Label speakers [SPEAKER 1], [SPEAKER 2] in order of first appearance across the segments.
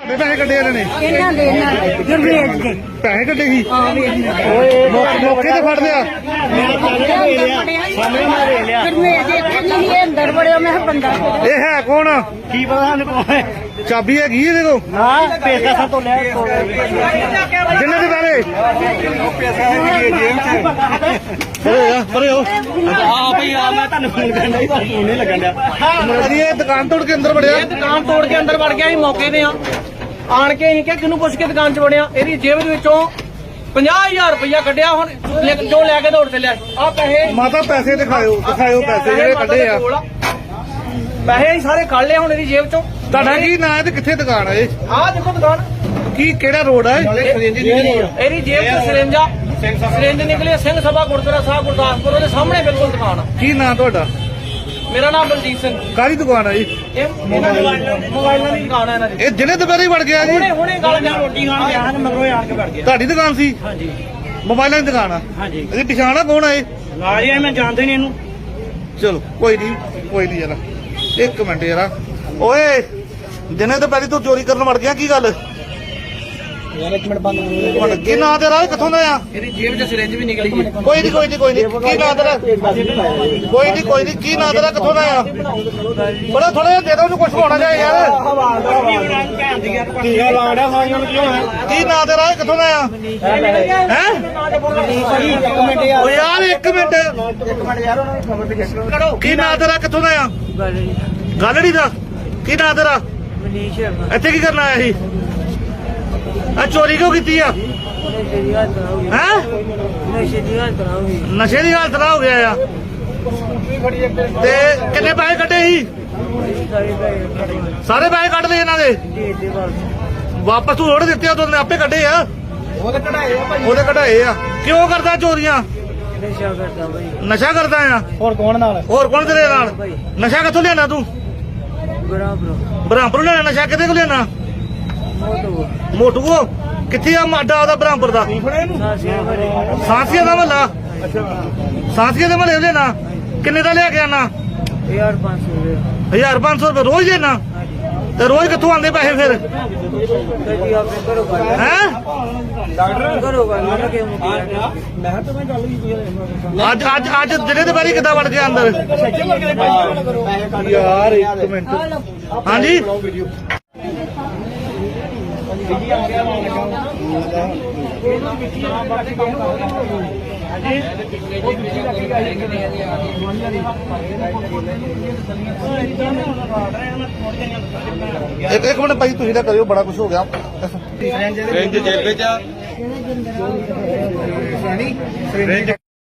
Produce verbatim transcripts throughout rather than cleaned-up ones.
[SPEAKER 1] ਪੈਸੇ ਕੱਢੇ ਇਹਨਾਂ ਨੇ
[SPEAKER 2] ਇਹਨਾਂ ਦੇ ਨਾਲ ਗੁਰਮੇਜ ਦੇ
[SPEAKER 1] ਪੈਸੇ ਕੱਢੇ ਸੀ
[SPEAKER 2] ਹਾਂ ਵੇਖ
[SPEAKER 1] ਮੌਕੇ ਤੇ ਫੜ ਲਿਆ
[SPEAKER 2] ਗੁਰਮੇਜ ਦੇ ਇੱਥੇ ਨਹੀਂ ਇਹ ਅੰਦਰ ਵੜਿਆ ਮੈਂ ਕਿਹਾ ਬੰਦਾ
[SPEAKER 1] ਇਹ ਹੈ ਕੌਣ?
[SPEAKER 3] ਕੀ ਪਤਾ ਸਾਨੂੰ ਕੌਣ ਹੈ?
[SPEAKER 1] ਚਾਬੀ ਹੈਗੀ ਇਹਦੇ ਕੋਲ?
[SPEAKER 3] ਹਾਂ ਪੈਸਾ ਸਾ ਤੋਂ ਲੈ
[SPEAKER 1] ਜਿੰਨੇ ਦੇ ਬਾਰੇ ਪਰੇ ਆ ਪਰੇ ਹੋ
[SPEAKER 3] ਆ ਭਈ ਆ ਮੈਂ ਤੁਹਾਨੂੰ ਫੋਨ ਕਰਨਾ ਹੀ ਫੋਨ ਨਹੀਂ ਲੱਗਣ ਡਿਆ।
[SPEAKER 1] ਅਜੀ ਇਹ ਦੁਕਾਨ ਤੋੜ ਕੇ ਅੰਦਰ ਵੜਿਆ।
[SPEAKER 3] ਇਹ ਦੁਕਾਨ ਤੋੜ ਕੇ ਅੰਦਰ ਵੜ ਗਿਆ ਸੀ ਮੌਕੇ ਤੇ ਆ ਆਣ ਕੇ ਅਸੀਂ ਕਿ ਕਿਹਨੂੰ ਪੁੱਛ ਕੇ ਦੁਕਾਨ 'ਚ ਵੜਿਆ। ਇਹਦੀ ਜੇਬ ਦੇ ਵਿੱਚੋਂ ਪੰਜਾਹ ਹਜ਼ਾਰ ਰੁਪਇਆ ਕੱਢਿਆ। ਹੁਣ ਲੈ- ਜੋ ਲੈ ਕੇ ਦੌੜ ਚੱਲਿਆ ਆ ਪੈਸੇ
[SPEAKER 1] ਮਾਤਾ ਪੈਸੇ ਦਿਖਾਇਓ ਦਿਖਾਇਓ ਪੈਸੇ ਜਿਹੜੇ ਕੱਢੇ ਆ।
[SPEAKER 3] ਪੈਸੇ ਅਸੀਂ ਸਾਰੇ ਕੱਢ ਲਏ ਹੁਣ ਇਹਦੀ ਜੇਬ 'ਚੋਂ।
[SPEAKER 1] ਤੁਹਾਡਾ ਕੀ ਨਾਂ ਹੈ ਤੇ ਕਿੱਥੇ ਦੁਕਾਨ ਹੈ ਇਹ?
[SPEAKER 3] ਆਹ ਦੇਖੋ ਦੁਕਾਨ
[SPEAKER 1] ਕੀ ਕਿਹੜਾ ਰੋਡ ਹੈ?
[SPEAKER 3] ਇਹਦੀ ਜੇਬ 'ਚ ਸਿਰੰਜਾ ਸਿਰੰਜ ਨਿਕਲੇ ਸਿੰਘ ਸਭਾ ਗੁਰਦੁਆਰਾ ਸਾਹਿਬ ਗੁਰਦਾਸਪੁਰ ਉਹਦੇ ਸਾਹਮਣੇ ਬਿਲਕੁਲ ਦੁਕਾਨ ਆ।
[SPEAKER 1] ਕੀ ਨਾਂ ਤੁਹਾਡਾ?
[SPEAKER 3] ਮੇਰਾ ਨਾਮ ਬਲਜੀਤ ਸਿੰਘ।
[SPEAKER 1] ਕਾਹਦੀ ਦੁਕਾਨ ਹੈ ਜੀ?
[SPEAKER 3] ਇਹ ਮੋਬਾਈਲਾਂ ਦੀ ਦੁਕਾਨ ਹੈ ਇਹਨਾਂ ਦੀ।
[SPEAKER 1] ਇਹ ਜਿਹਨੇ ਦੁਪਹਿਰੇ ਵੜ ਗਿਆ ਜੀ?
[SPEAKER 3] ਹੁਣੇ ਹੁਣੇ ਗੱਲ ਜਾਂ ਰੋਟੀ ਖਾਣ ਗਿਆ ਹਨ ਮਗਰੋਂ ਆਣ ਕੇ ਵੜ ਗਿਆ।
[SPEAKER 1] ਤੁਹਾਡੀ ਦੁਕਾਨ ਸੀ?
[SPEAKER 3] ਹਾਂਜੀ
[SPEAKER 1] ਮੋਬਾਈਲਾਂ ਦੀ ਦੁਕਾਨ ਆ?
[SPEAKER 3] ਹਾਂਜੀ
[SPEAKER 1] ਇਹਦੀ ਪਛਾਣ ਆ ਕੌਣ ਆ ਇਹ?
[SPEAKER 3] ਨਾਲ ਹੀ ਮੈਂ ਜਾਣਦੇ ਨਹੀਂ ਇਹਨੂੰ।
[SPEAKER 1] ਚਲੋ ਕੋਈ ਨਹੀਂ ਕੋਈ ਨਹੀਂ ਜਰਾ ਇੱਕ ਮਿੰਟ ਜਰਾ। ਓਏ ਜਿਹਨੇ ਦੁਪਹਿਰੇ ਤੂੰ ਚੋਰੀ ਕਰਨ ਵੜ ਗਿਆ ਕੀ ਗੱਲ?
[SPEAKER 3] ਯਾਰ ਇੱਕ ਮਿੰਟ ਬੰਦ
[SPEAKER 1] ਹੁਣ ਕੀ ਨਾਂ ਤੇਰਾ? ਕਿੱਥੋਂ ਦਾ ਆ?
[SPEAKER 3] ਇਹਦੀ ਜੇਬ 'ਚ ਸਿਰੰਜ ਵੀ ਨਿਕਲੀ ਹੈ।
[SPEAKER 1] ਕੋਈ ਨਹੀਂ ਕੋਈ ਨਹੀਂ ਕੋਈ ਨਹੀਂ ਕੀ ਨਾਂ ਤੇਰਾ? ਕੋਈ ਨਹੀਂ ਕੋਈ ਨਹੀਂ ਕੀ ਨਾਂ ਤੇਰਾ? ਕਿੱਥੋਂ ਦਾ ਆ? ਥੋੜਾ ਥੋੜਾ ਜਿਹਾ ਦੇ ਦੋ ਉਹਨੂੰ ਕੁਝ ਹੋਣਾ ਚਾਹੀਏ ਯਾਰ।
[SPEAKER 3] ਟੀਕਾ ਲਾਉਂਦਾ ਸਾਈਆਂ ਨੂੰ ਕਿਉਂ ਹੈ?
[SPEAKER 1] ਕੀ ਨਾਂ ਤੇਰਾ? ਕਿੱਥੋਂ ਦਾ ਆ? ਹੈ
[SPEAKER 3] ਇੱਕ ਮਿੰਟ ਯਾਰ
[SPEAKER 1] ਓ ਯਾਰ ਇੱਕ ਮਿੰਟ
[SPEAKER 3] ਇੱਕ ਮਿੰਟ ਯਾਰ ਉਹਨਾਂ ਨੂੰ ਖਬਰ ਤੇ ਚੈੱਕ ਕਰੋ।
[SPEAKER 1] ਕੀ ਨਾਂ ਤੇਰਾ? ਕਿੱਥੋਂ ਦਾ ਆ? ਗਾਲੜੀ ਦਾ? ਕੀ ਨਾਂ ਤੇਰਾ?
[SPEAKER 2] ਮਨੀਸ਼
[SPEAKER 1] ਇੱਥੇ ਕੀ ਕਰਨ ਆਇਆ ਸੀ? ਆ ਚੋਰੀ ਕਿਉਂ ਕੀਤੀ ਆ?
[SPEAKER 2] ਨਸ਼ੇ ਦੀ ਹਾਲਤ ਨਾ ਹੋਈ
[SPEAKER 1] ਹੈ
[SPEAKER 2] ਨਸ਼ੇ ਦੀ ਹਾਲਤ ਨਾ ਹੋਈ
[SPEAKER 1] ਨਸ਼ੇ ਦੀ ਹਾਲਤ ਨਾ ਹੋ ਗਿਆ ਆ। ਤੇ ਕਿੰਨੇ ਪੈਸੇ ਕੱਢੇ ਸੀ?
[SPEAKER 2] ਸਾਰੇ ਪੈਸੇ
[SPEAKER 1] ਸਾਰੇ ਪੈਸੇ ਕੱਢ ਲਏ ਇਹਨਾਂ ਦੇ?
[SPEAKER 2] ਦੇ ਦੇ ਬਸ
[SPEAKER 1] ਵਾਪਸ ਤੂੰ ਰੋੜ ਦਿੱਤੇ ਉਹ ਨੇ ਆਪੇ ਕੱਢੇ ਆ।
[SPEAKER 3] ਉਹਦੇ ਕਢਾਏ ਆ ਭਾਈ।
[SPEAKER 1] ਉਹਦੇ ਕਢਾਏ ਆ। ਕਿਉਂ ਕਰਦਾ ਚੋਰੀਆਂ?
[SPEAKER 2] ਨਸ਼ਾ ਕਰਦਾ ਭਾਈ
[SPEAKER 1] ਨਸ਼ਾ ਕਰਦਾ ਆ?
[SPEAKER 3] ਹੋਰ ਕੌਣ ਨਾਲ?
[SPEAKER 1] ਹੋਰ ਕੌਣ ਤੇਰੇ ਨਾਲ? ਨਸ਼ਾ ਕਿੱਥੋਂ ਲਿਆਣਾ ਤੂੰ?
[SPEAKER 2] ਬੜਾ ਬਰੋ
[SPEAKER 1] ਬ੍ਰਹਮਪੁਰ ਲਿਆਣਾ ਨਸ਼ਾ? ਕਿਤੇ ਕੋ ਲਿਆਣਾ?
[SPEAKER 2] ਮੋਟੋ
[SPEAKER 1] ਮੋਟੂ ਕੋ? ਕਿੱਥੇ ਆ ਮਾਡਾ ਉਹਦਾ ਬ੍ਰਹਮਪੁਰ ਦਾ?
[SPEAKER 2] ਸਾਸੀਆਂ ਬੜੇ
[SPEAKER 1] ਸਾਂਸੀਆਂ ਦਾ ਮਹੱਲਾ? ਸਾਂਸੀਆਂ ਦੇ ਮਹੱਲੇ ਲੈਣਾ? ਕਿੰਨੇ ਦਾ ਲਿਆ ਕੇ ਆਣਾ?
[SPEAKER 2] ਯਾਰ ਪੰਜ ਸੌ ਦੇ
[SPEAKER 1] ਹਜ਼ਾਰ ਪੰਜ ਸੌ ਰੁਪਏ ਰੋਜ਼ ਦੇਣਾ? ਤੇ ਰੋਜ਼ ਕਿੱਥੋਂ ਆਉਂਦੇ ਪੈਸੇ ਫਿਰ?
[SPEAKER 2] ਕਦੀ ਆਪਣੇ ਘਰੋਂ ਕਰ
[SPEAKER 1] ਹੈ
[SPEAKER 2] ਘਰੋਂ ਕਰ ਮੈਂ ਕਿ ਮੁਕਿਆ
[SPEAKER 3] ਮੈਂ ਤਾਂ ਮੈਂ ਗੱਲ ਕੀਤੀ
[SPEAKER 1] ਅੱਜ ਅੱਜ ਅੱਜ ਜਿਹੜੇ ਦੇ ਬਾਰੇ ਕਿੱਦਾਂ ਵੜ ਗਿਆ ਅੰਦਰ? ਯਾਰ ਇੱਕ ਮਿੰਟ ਹਾਂਜੀ ਇੱਕ ਇੱਕ ਮਿੰਟ ਭਾਈ ਤੁਸੀਂ ਤਾਂ ਕਰਿਓ ਬੜਾ ਕੁਝ ਹੋ ਗਿਆ।
[SPEAKER 4] ਰੇਂਜ ਜੇਬ ਵਿੱਚ ਆ ਰੇਂਜ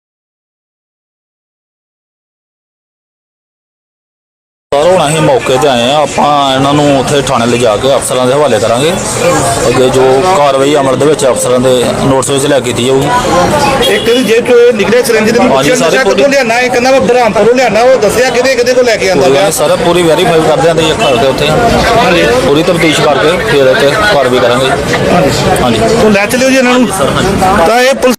[SPEAKER 5] ਸਰ ਹੁਣ ਅਸੀਂ ਮੌਕੇ ਤੇ ਆਏ ਆ। ਆਪਾਂ ਇਹਨਾਂ ਨੂੰ ਉੱਥੇ ਥਾਣੇ ਲਿਜਾ ਕੇ ਅਫਸਰਾਂ ਦੇ ਹਵਾਲੇ ਕਰਾਂਗੇ। ਅੱਗੇ ਜੋ ਕਾਰਵਾਈ ਅਮਲ ਦੇ ਵਿੱਚ ਅਫਸਰਾਂ ਦੇ ਨੋਟਿਸ ਵਿੱਚ ਲੈ ਕੇ ਕੀਤੀ ਜਾਊਗੀ।
[SPEAKER 1] ਇੱਕ ਦੀ ਜੇਬ ਚੋਂ ਨਿਕਲੇ ਸਿਰੰਜ ਦੇ
[SPEAKER 5] ਹਾਂਜੀ,
[SPEAKER 1] ਵਿੱਚ
[SPEAKER 5] ਸਾਰੇ
[SPEAKER 1] ਨਸ਼ਾ ਕਿੱਥੋਂ ਲਿਆਣਾ? ਇਹ ਕਹਿੰਦਾ ਮੈਂ ਬ੍ਰਹਮਪੁਰੋਂ ਲਿਆਣਾ। ਉਹ ਦੱਸਿਆ ਕਿਹਦੇ ਕਿਹਦੇ ਕੋਲ ਲੈ ਕੇ ਆਂਦਾ ਗਿਆ?
[SPEAKER 5] ਸਰ ਪੂਰੀ ਵੈਰੀਫਾਈ ਕਰਦੇ ਆਂ ਤੇ ਇੱਕ ਕਰਕੇ ਉੱਥੇ ਪੂਰੀ ਤਫਤੀਸ਼ ਕਰਕੇ ਫਿਰ ਇੱਥੇ ਕਾਰਵਾਈ ਕਰਾਂਗੇ। ਹਾਂਜੀ
[SPEAKER 1] ਤੂੰ ਲੈ ਚਲਿਓ ਜੀ ਇਹਨਾਂ ਨੂੰ। ਤਾਂ ਇਹ ਪੁਲਿਸ